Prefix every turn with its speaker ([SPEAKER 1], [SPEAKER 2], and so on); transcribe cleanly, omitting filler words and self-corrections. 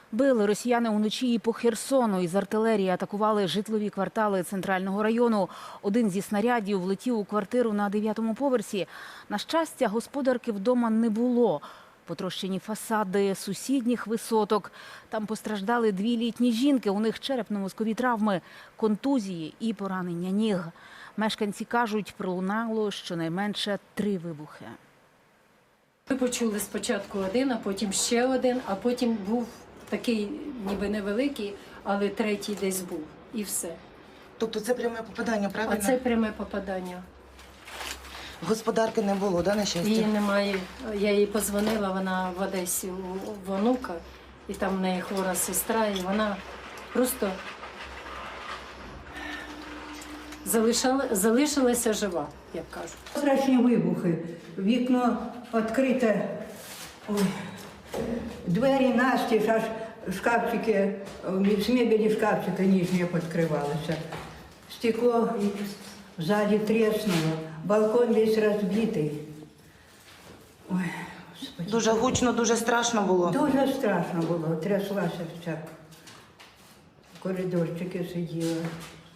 [SPEAKER 1] Били росіяни уночі і по Херсону. Із артилерії атакували житлові квартали центрального району. Один зі снарядів влетів у квартиру на 9-му поверсі. На щастя, господарки вдома не було. Потрощені фасади сусідніх висоток. Там постраждали 2 літні жінки. У них черепно-мозкові травми, контузії і поранення ніг. Мешканці кажуть, пролунало щонайменше 3 вибухи.
[SPEAKER 2] Ми почули спочатку один, а потім ще один, а потім був такий ніби невеликий, але третій десь був. І все.
[SPEAKER 3] Тобто це пряме попадання, правильно?
[SPEAKER 2] А це пряме попадання.
[SPEAKER 3] Господарки не було, да, на щастя?
[SPEAKER 2] Її немає. Я їй подзвонила, вона в Одесі у онука, і там в неї хвора сестра, і вона просто залишилася жива, як кажуть.
[SPEAKER 4] Страшні вибухи. Вікно відкрите, ой, двері настіж, аж шкафчики, з мебелі шкафчики нижні відкривалися. Стекло ззаді тріснуло, балкон весь розбитий. Ой, Господи.
[SPEAKER 3] Дуже гучно, дуже страшно було.
[SPEAKER 4] Дуже страшно було, тряслася вся. В коридорчики сиділа.